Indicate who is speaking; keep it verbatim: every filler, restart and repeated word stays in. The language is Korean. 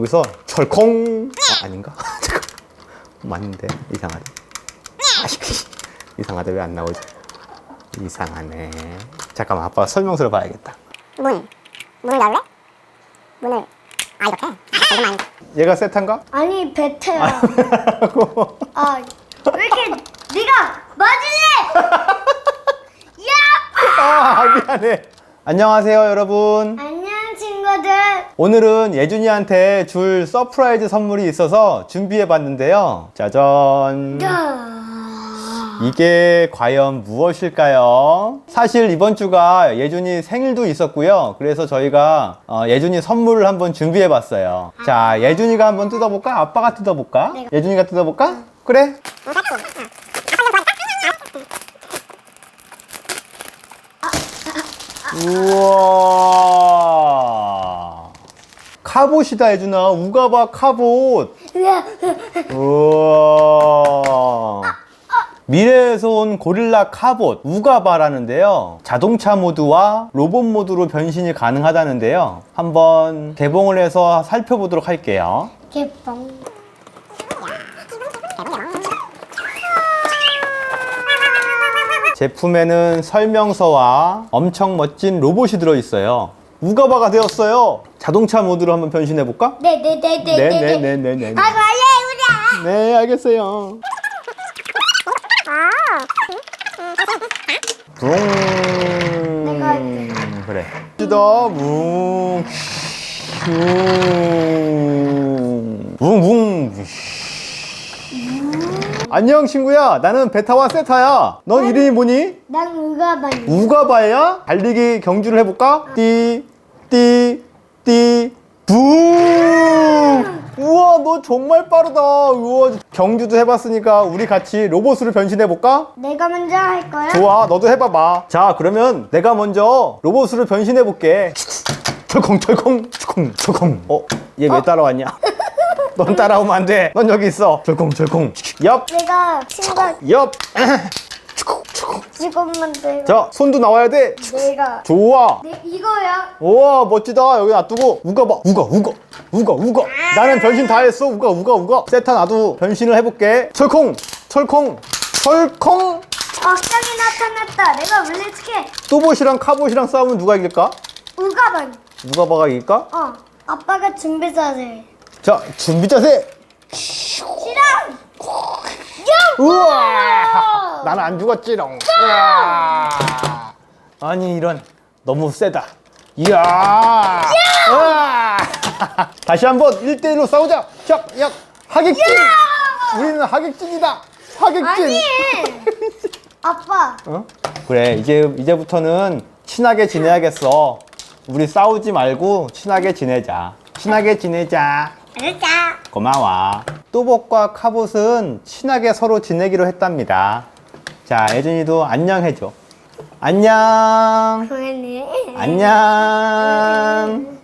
Speaker 1: 여기서 철콩. 아, 아닌가? 잠깐. 맞는데 이상하네. 이상하다. 왜 안 나오지? 이상하네. 잠깐만, 아빠가 설명서를 봐야겠다.
Speaker 2: 문. 문을 열래? 문을. 아, 이렇게? 아, 이거 아닌가?
Speaker 1: 얘가 세탄가?
Speaker 3: 아니 베테야. 아, 왜 이렇게 네가 맞을래? 야!
Speaker 1: 아, 미안해. 안녕하세요, 여러분.
Speaker 3: 안녕 친구들.
Speaker 1: 오늘은 예준이한테 줄 서프라이즈 선물이 있어서 준비해 봤는데요. 짜잔.
Speaker 3: 야.
Speaker 1: 이게 과연 무엇일까요? 사실 이번 주가 예준이 생일도 있었고요. 그래서 저희가 어, 예준이 선물을 한번 준비해 봤어요. 자, 예준이가 한번 뜯어볼까? 아빠가 뜯어볼까?
Speaker 3: 네.
Speaker 1: 예준이가 뜯어볼까? 그래? 우와, 카봇이다. 예준아, 우가바 카봇. 우와, 미래에서 온 고릴라 카봇 우가바라는데요, 자동차 모드와 로봇 모드로 변신이 가능하다는데요. 한번 개봉을 해서 살펴보도록 할게요.
Speaker 3: 개뻥.
Speaker 1: 제품에는 설명서와 엄청 멋진 로봇이 들어있어요. 우가바가 되었어요. 자동차 모드로 한번 변신해 볼까?
Speaker 3: 네네네네네.
Speaker 1: 네네네네네.
Speaker 3: 아, 원래 우리야.
Speaker 1: 네, 알겠어요. 붕.
Speaker 3: 내가 할게.
Speaker 1: 그래. 더 붕. 붕. 붕붕. 안녕 친구야. 나는 베타와 세타야. 넌 이름이 뭐니?
Speaker 3: 난 우가바니.
Speaker 1: 우가바야? 달리기 경주를 해볼까? 띠, 띠, 띠, 붕! 우와, 너 정말 빠르다. 우와, 경주도 해봤으니까 우리 같이 로봇으로 변신해볼까?
Speaker 3: 내가 먼저 할 거야.
Speaker 1: 좋아, 너도 해봐봐. 자, 그러면 내가 먼저 로봇으로 변신해볼게. 철콩, 철콩, 철콩, 철콩. 어? 얘 왜 따라왔냐? 넌 따라오면 안 돼. 넌 여기 있어. 철콩, 철콩. 옆,
Speaker 3: 내가 친구가
Speaker 1: 옆.
Speaker 3: 지금만 돼.
Speaker 1: 자, 손도 나와야 돼.
Speaker 3: 내가.
Speaker 1: 좋아.
Speaker 3: 내 이거야.
Speaker 1: 우와, 멋지다. 여기 놔두고 우가 봐. 우가 우가 우가 우가. 나는 변신 다 했어. 우가 우가 우가. 세타, 나도 변신을 해볼게. 철콩 철콩 철콩.
Speaker 3: 악당이 나타났다. 내가 물리치게.
Speaker 1: 또봇이랑 카봇이랑 싸우면 누가 이길까?
Speaker 3: 우가바니.
Speaker 1: 우가바가 이길까?
Speaker 3: 어. 아빠가 준비 자세.
Speaker 1: 자, 준비 자세.
Speaker 3: 싫어.
Speaker 1: 우와, 나는 안 죽었지롱. 우와. 아니, 이런, 너무 세다. 이야. 우와. 다시 한번 일 대일로 싸우자. 자, 야, 하객진. 우리는 하객진이다. 하객진.
Speaker 3: 아니. 아빠.
Speaker 1: 어? 그래, 이제 이제부터는 친하게 지내야겠어. 우리 싸우지 말고 친하게 지내자. 친하게 지내자.
Speaker 3: 그러자.
Speaker 1: 고마워. 또봇과 카봇은 친하게 서로 지내기로 했답니다. 자, 예준이도 안녕 해줘. 안녕.
Speaker 3: 그러네.
Speaker 1: 안녕.